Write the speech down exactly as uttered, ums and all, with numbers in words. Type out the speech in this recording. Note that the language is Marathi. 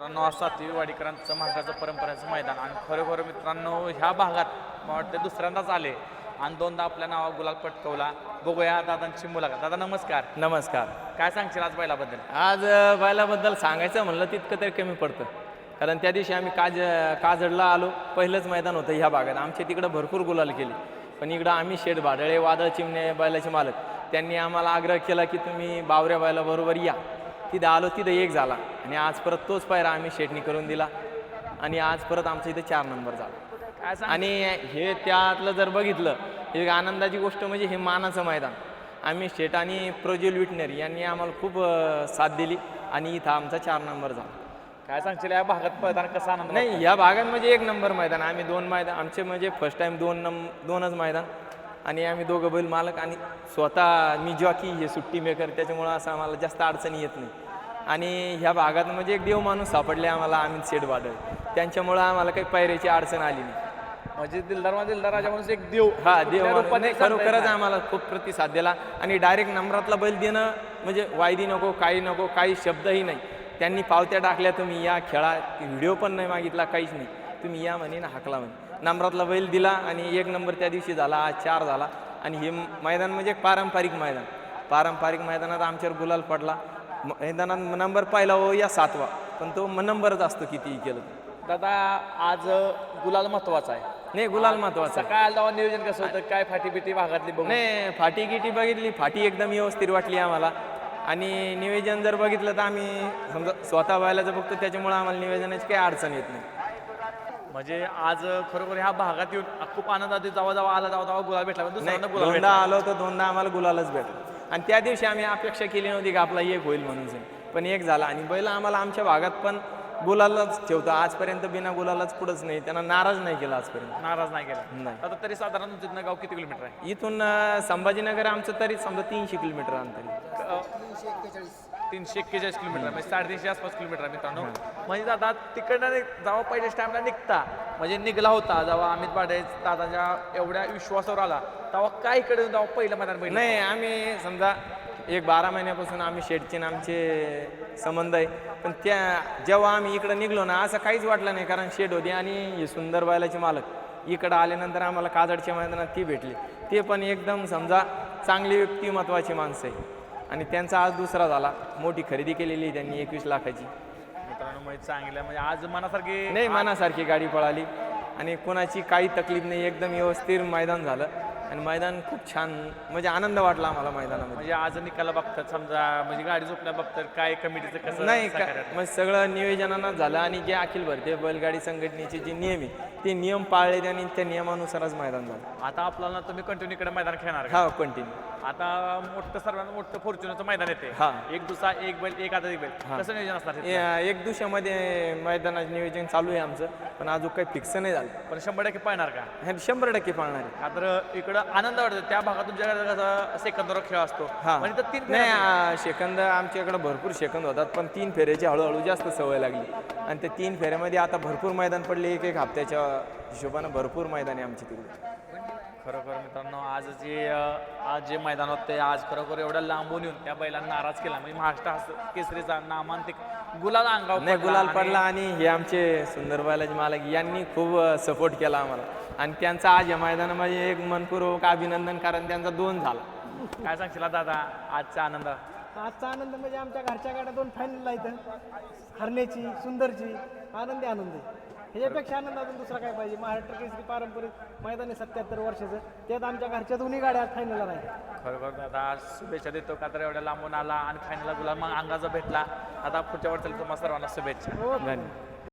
मित्रांनो आज सातवी वाडीकरांचं महाराष्ट्राचं परंपरेचं मैदान आणि खरोखर मित्रांनो ह्या भागात मला वाटतं दुसऱ्यांदाच आले आणि दोनदा आपल्या नावावर गुलाल पटकवला. बघूया दादांची मुलाखत. दादा नमस्कार. नमस्कार. काय सांगशील आज बैलाबद्दल? आज अ, बैलाबद्दल सांगायचं म्हणलं तितकं तरी कमी पडतं, कारण त्या दिवशी आम्ही काज काजडला आलो. पहिलंच मैदान होतं ह्या भागात. आमच्या तिकडं भरपूर गुलाल केली, पण इकडं आम्ही शेठ भाडळे वादळ चिमणे बैलाचे मालक त्यांनी आम्हाला आग्रह केला की तुम्ही बावऱ्या बैलाबरोबर या. तिथं आलो, तिथं एक झाला आणि आज परत तोच पायरा आम्ही शेठनी करून दिला आणि आज परत आमच्या इथं चार नंबर झाला. काय सांग आणि हे त्यातलं जर बघितलं, एक आनंदाची गोष्ट म्हणजे हे मानाचं मैदान. आम्ही शेठ आणि प्रज्वल विटनेर यांनी आम्हाला खूप अ, साथ दिली आणि इथं आमचा चार नंबर झाला. काय सांगशील या भागात पळताना कसा आनंद? नाही, या भागात म्हणजे एक नंबर मैदान. आम्ही दोन मैदान आमचे म्हणजे फर्स्ट टाईम दोन नंब दोनच मैदान आणि आम्ही दोघं बैल मालक आणि स्वतः मी जॉकी हे सुट्टी मेकर, त्याच्यामुळं असं आम्हाला जास्त अडचणी येत नाही. आणि ह्या भागात म्हणजे एक देव माणूस सापडले आम्हाला, अमित शेठ वाडळ. त्यांच्यामुळं आम्हाला काही पायऱ्याची अडचण आली नाही. म्हणजे दिलदार मा दिलदार राजा म्हणून एक देव हा देव कुठल्या माणूस रूपाने नाही, सांगता येत खरोखरच नाही. आम्हाला खूप प्रतिसाद दिला आणि डायरेक्ट नंबरातला बैल देणं म्हणजे वायदी नको, काही नको, काही शब्दही नाही. त्यांनी पावत्या टाकल्या, तुम्ही या खेळा. व्हिडिओ पण नाही मागितला, काहीच नाही. तुम्ही या म्हणे ना हाकला म्हणे. नंबरातला बैल दिला आणि एक नंबर त्या दिवशी झाला, आज चार झाला. आणि हे मैदान म्हणजे एक पारंपरिक मैदान. पारंपरिक मैदानात आमच्यावर गुलाल पडला. मैदानात नंबर पाहिला हो या सातवा, पण तो नंबरच असतो कितीही केलं तर. दादा आज गुलाल महत्वाचा आहे. नाही, गुलाल महत्वाचा आहे. सकाळ आला नियोजन कसं होतं? काय फाटी बिटी भागातली बघून? नाही, फाटी गिटी बघितली, फाटी एकदम व्यवस्थित वाटली आम्हाला. आणि नियोजन जर बघितलं तर आम्ही समजा स्वतः बैलाचं बघतो, त्याच्यामुळे आम्हाला नियोजनाची काही अडचण येत नाही. म्हणजे आज खरोखर ह्या भागात येऊन खूप आनंद आधी जावा जावा आला जावा जावा गुलाल भेटला. नाही, दुसऱ्यांदा गुलाल दोनदा भेटला. आलो तर दोनदा आम्हाला गुलालच भेटला. आणि त्या दिवशी आम्ही अपेक्षा केली नव्हती की आपला एक होईल म्हणून, पण एक झाला. आणि बैल आम्हाला आमच्या भागात पण गुलालच ठेवतो आजपर्यंत, बिना गुलालाच पुढंच नाही. त्यांना नाराज नाही केला आजपर्यंत. नाराज नाही केला. नाही. आता तरी साधारण तुमचं गाव किती किलोमीटर आहे? इथून अं, संभाजीनगर आमचं तरी समजा तीनशे किलोमीटर अंतर आहे. तीनशे एक्केचाळीस किलोमीटर म्हणजे साडेतीनशे आसपास किलोमीटर आहे मित्रांनो. म्हणजे दादा तिकडनं जेव्हा पहिल्या टाइमला निघता म्हणजे निघला होता, जेव्हा अमित पाडे दादाच्या एवढ्या विश्वासावर आला, तेव्हा काय इकडे जेव्हा पहिलं मैदान बघितलं? नाही, आम्ही समजा एक बारा महिन्यापासून आम्ही शेठचे आणि आमचे संबंध आहे. पण त्या जेव्हा आम्ही इकडं निघलो ना, असं काहीच वाटलं नाही, कारण शेठ होते आणि हे सुंदर बैलाचे मालक इकडं आल्यानंतर आम्हाला काजडच्या मैदानात ती भेटली. ते पण एकदम समजा चांगली व्यक्तिमत्वाची माणसं आहे. आणि त्यांचा आज दुसरा झाला. मोठी खरेदी केलेली आहे त्यांनी एकवीस लाखाची. मित्रांनो म्हणजे चांगलं म्हणजे आज मनासारखी नाही, मनासारखी गाडी पळाली आणि कोणाची काही तकलीफ नाही. एकदम व्यवस्थित मैदान झालं आणि मैदान खूप छान, म्हणजे आनंद वाटला आम्हाला मैदानामध्ये. म्हणजे आज निकाला बघतात समजा म्हणजे गाडी झोपल्या बघतात काय कमिटीचं कसं नाही का, सहकार्य? मग सगळं नियोजनानं झालं आणि जे अखिल भारतीय बैलगाडी संघटनेचे जे नियम आहे ते नियम पाळले आणि त्या नियमानुसारच मैदान झालं. आता आपल्याला तुम्ही कंटिन्यू इकडे मैदान खेळणार का? हा, कंटिन्यू. आता मोठं सर्वांना मोठं फॉर्च्युनरचं मैदान येते. हा. एक दुसरा एक बैल एक आता एक बैल हा. कसं नियोजन असणार तिथलं? ए- एक दिवसामध्ये मैदानाचं नियोजन चालू आहे आमचं, पण अजून काही फिक्स नाही झालं. पण शंभर टक्के पाहणार का? हे शंभर टक्के पाळणार आहे. का तर इकडं आनंद वाटतो त्या भागात तुमच्याकडे कसं सेकंदवर खेळ असतो. हा, म्हणजे तर तीन नाही, फेऱ्या आ, सेकंद आमच्याकडे भरपूर सेकंद होतात, पण तीन फेऱ्याची हळूहळू जास्त सवय लागली आणि त्या तीन फेऱ्यामध्ये आता भरपूर मैदान पडले. एक एक हप्त्याच्या हिशोबानं भरपूर मैदान आहे आमची तिकडे. खरोखर मित्रांनो आज जे अं, आज जे मैदान होते आज खरोखर एवढ्या लांबून येऊन त्या बैलांना नाराज केला. म्हणजे महाराष्ट्र हस्त- केसरीचा नामांतिक गुलाल अंगावर नाही, पडला गुलाल आणि पडला आणि हे आमचे सुंदर बैलाचे मालक यांनी खूप सपोर्ट केला आम्हाला आणि त्यांचा आज या मैदानामध्ये एक मनपूर्वक अभिनंदन, कारण त्यांचा दोन झाला. काय सांगशील दादा आजचा आनंद? आजचा आनंद म्हणजे आमच्या घरच्या गाड्या दोन फायनल इथं हरण्याची सुंदरची आनंदी आनंद आहे. ह्याच्यापेक्षा आनंद अजून दुसरा काय पाहिजे? महाराष्ट्र केसरी पारंपरिक मैदान आहे सत्याहत्तर वर्षाचं, त्यात आमच्या घरच्या दोन्ही गाड्या फायनलला राहिल्या. खरोखर दादा शुभेच्छा देतो का तर एवढ्या लांबून आला आणि फायनलला गुलाल मग अंगाचा भेटला. आता पुढच्या वर्षाला तुम्हाला सर्वांना शुभेच्छा. हो, धन्यवाद.